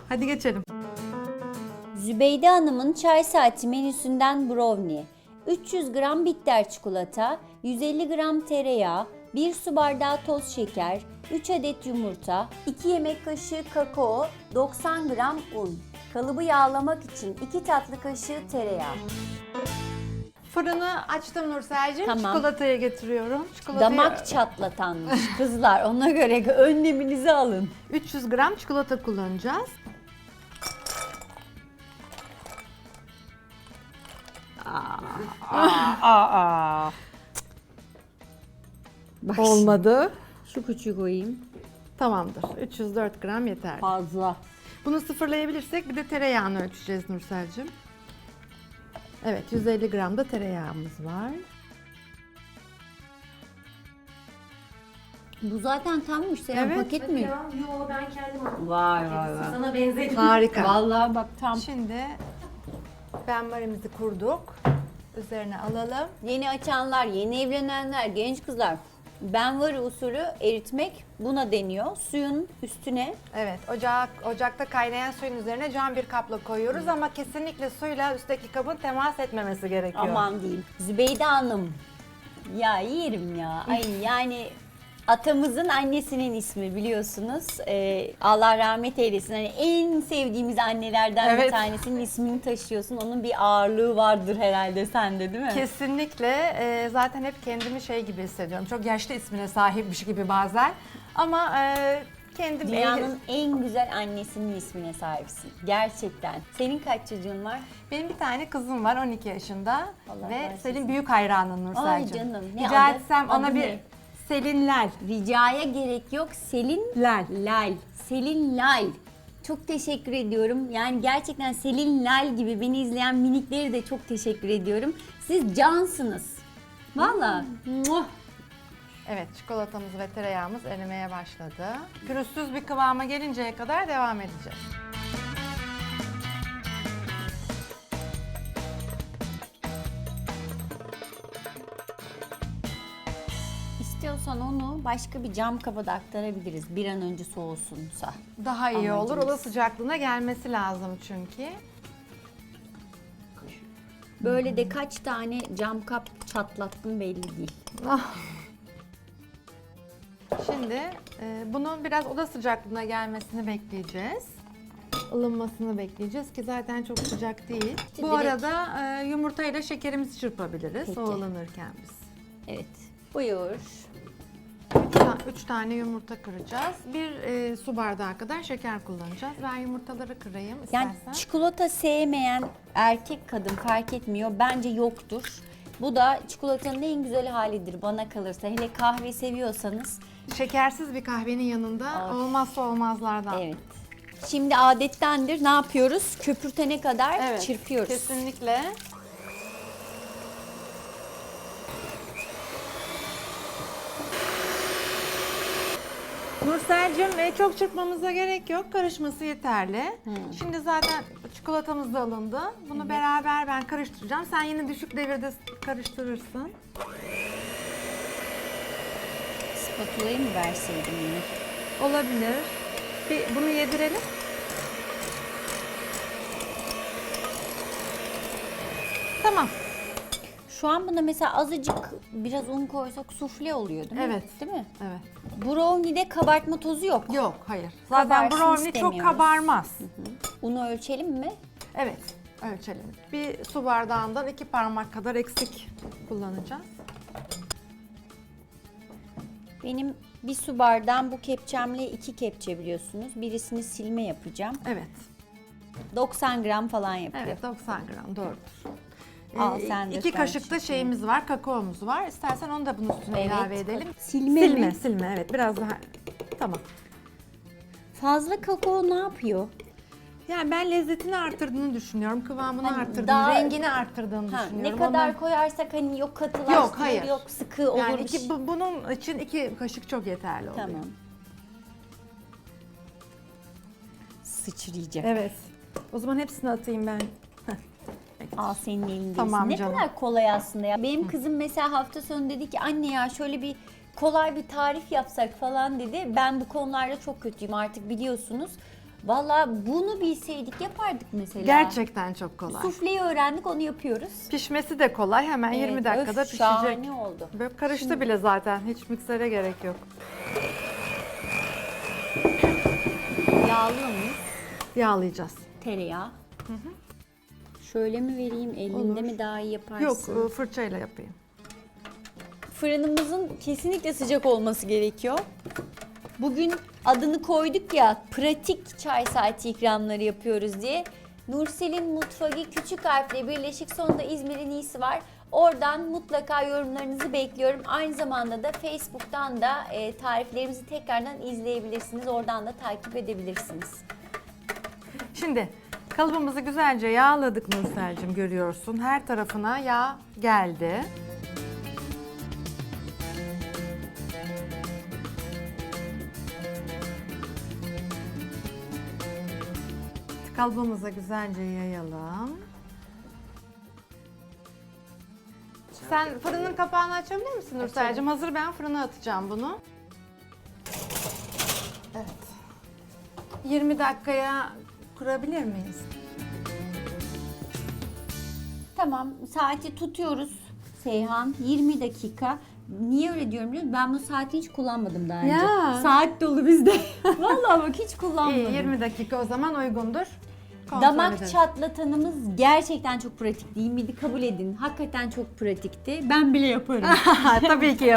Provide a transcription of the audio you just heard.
Hadi geçelim. Zübeyde Hanım'ın çay saati menüsünden brownie, 300 gram bitter çikolata, 150 gram tereyağı, 1 su bardağı toz şeker, 3 adet yumurta, 2 yemek kaşığı kakao, 90 gram un. Kalıbı yağlamak için 2 tatlı kaşığı tereyağı. Fırını açtım Nursel'cim. Tamam. Çikolatayı getiriyorum. Çikolatayı... Damak çatlatanmış kızlar, ona göre önleminizi alın. 300 gram çikolata kullanacağız. Bak Olmadı. şu küçüğü koyayım. Tamamdır. 304 gram yeterli. Fazla. Bunu sıfırlayabilirsek bir de tereyağını ölçeceğiz Nursel'cim. Evet, 150 gram da tereyağımız var. Bu zaten tammış. Senin Evet. paket mi? Yo ben kendim aldım. Vay vay vay. Sana benzedim. Harika. Vallahi bak tam. Şimdi benmarimizi kurduk. Üzerine alalım. Yeni açanlar, yeni evlenenler, genç kızlar. Benvari usulü eritmek buna deniyor. Suyun üstüne Evet, ocakta kaynayan suyun üzerine cam bir kapla koyuyoruz ama kesinlikle suyla üstteki kabın temas etmemesi gerekiyor. aman diyeyim. Zübeyde Hanım. Ya yerim ya. Ay yani atamızın annesinin ismi biliyorsunuz. Allah rahmet eylesin. Hani en sevdiğimiz annelerden bir Evet. tanesinin ismini taşıyorsun. Onun bir ağırlığı vardır herhalde sende, değil mi? Kesinlikle. Zaten hep kendimi şey gibi hissediyorum. Çok yaşlı ismine sahipmiş gibi bazen. Ama kendim... Dünyanın en güzel annesinin ismine sahipsin. Gerçekten. Senin kaç çocuğun var? Benim bir tane kızım var 12 yaşında Allah ve bağışlasın. senin büyük hayranın Nursel'cim. Ay canım, ne Rica adı? etsem ona Adı bir ne? Selin Lal. Ricaya gerek yok. Selin Lal. Lal. Selin Lal. Çok teşekkür ediyorum. Yani gerçekten Selin Lal gibi beni izleyen minikleri de çok teşekkür ediyorum. Siz cansınız. Valla. Muah. Evet, çikolatamız ve tereyağımız erimeye başladı. Pürüzsüz bir kıvama gelinceye kadar devam edeceğiz. İstiyorsan onu başka bir cam kaba da aktarabiliriz. Bir an önce soğusunsa. Daha iyi olur. Amacımız. Oda sıcaklığına gelmesi lazım çünkü. Böyle de kaç tane cam kap çatlattım belli değil. Şimdi bunun biraz oda sıcaklığına gelmesini bekleyeceğiz. Ilınmasını bekleyeceğiz ki zaten çok sıcak değil. Bu direkt- arada yumurtayla şekerimizi çırpabiliriz Peki. o ılınırken biz. Evet. Buyur. 3 tane yumurta kıracağız. Bir su bardağı kadar şeker kullanacağız. Ben yumurtaları kırayım Yani istersen. çikolata sevmeyen erkek kadın fark etmiyor. Bence yoktur. Bu da çikolatanın en güzel halidir bana kalırsa. Hele kahve seviyorsanız. Şekersiz bir kahvenin yanında olmazsa olmazlardan. Evet. Şimdi adettendir. Ne yapıyoruz? Köpürtene kadar Evet, çırpıyoruz. kesinlikle. Nursel'cim çok çırpmamıza gerek yok. Karışması yeterli. Şimdi zaten çikolatamız da alındı. Bunu beraber ben karıştıracağım. Sen yine düşük devirde karıştırırsın. Spatulayı mı verseydim yine? Olabilir. Bir bunu yedirelim. Tamam. Şu an buna mesela azıcık biraz un koysak sufle oluyor değil mi? Evet. Değil mi? Evet. Brownie'de kabartma tozu yok. Yok, hayır. Zaten Kabarsın brownie çok istemiyoruz. kabarmaz. Unu ölçelim mi? Evet, ölçelim. Bir su bardağından 2 parmak kadar eksik kullanacağız. Benim bir su bardağım bu kepçemle 2 kepçe biliyorsunuz. Birisini silme yapacağım. Evet. 90 gram falan yapıyor. Evet, 90 gram doğrudur. Al sen de 2 sen kaşık da şimdi. şeyimiz var, kakaomuz var. İstersen onu da bunun üstüne Evet. ilave edelim. Silme mi? Silme, evet. Biraz daha. Tamam. Fazla kakao ne yapıyor? Yani ben lezzetini arttırdığını düşünüyorum, kıvamını Hani arttırdığını, daha- rengini arttırdığını Ha, düşünüyorum. ne kadar Ondan- koyarsak hani yok katılaştırır, Yok, hayır. yok sıkı olur. yani bir şey. bunun için 2 kaşık çok yeterli oluyor. Tamam. Sıçrayacak. Evet. O zaman hepsini atayım ben. Al senin elindeyiz. Tamam ne canım. kadar kolay aslında ya. Benim kızım mesela hafta sonu dedi ki anne ya şöyle bir kolay bir tarif yapsak falan dedi. Ben bu konularda çok kötüyüm artık biliyorsunuz. Valla bunu bilseydik yapardık mesela. Gerçekten çok kolay. Sufleyi öğrendik, onu yapıyoruz. Pişmesi de kolay. Hemen 20 Evet, dakikada öf, pişecek. şahane oldu. Böyle karıştı bile zaten. Hiç miksere gerek yok. Yağlıyor muyuz? Yağlayacağız. Tereyağı. Şöyle mi vereyim, elinde Olur. mi daha iyi yaparsın? Yok, fırçayla yapayım. Fırınımızın kesinlikle sıcak olması gerekiyor. Bugün adını koyduk ya, pratik çay saati ikramları yapıyoruz diye. Nursel'in Mutfağı küçük harfle birleşik, sonunda İzmir'in iyisi var. Oradan mutlaka yorumlarınızı bekliyorum. Aynı zamanda da Facebook'tan da tariflerimizi tekrardan izleyebilirsiniz. Oradan da takip edebilirsiniz. Şimdi kalıbımızı güzelce yağladık Nursel'cim, görüyorsun. Her tarafına yağ geldi. Kalıbımıza güzelce yayalım. Sen fırının kapağını açabilir misin Nursel'cim? Hazır, ben fırına atacağım bunu. Evet. 20 dakikaya kurabilir miyiz? Tamam, saati tutuyoruz Seyhan. 20 dakika. Niye öyle diyorum biliyor musun? Ben bu saati hiç kullanmadım daha önce. Ya. Saat dolu bizde. Vallahi bak hiç kullanmadım. İyi, 20 dakika o zaman uygundur. Kontrol Damak edelim. çatlatanımız gerçekten çok pratik değil miydi? Kabul edin. Hakikaten çok pratikti. Ben bile yaparım. Tabii ki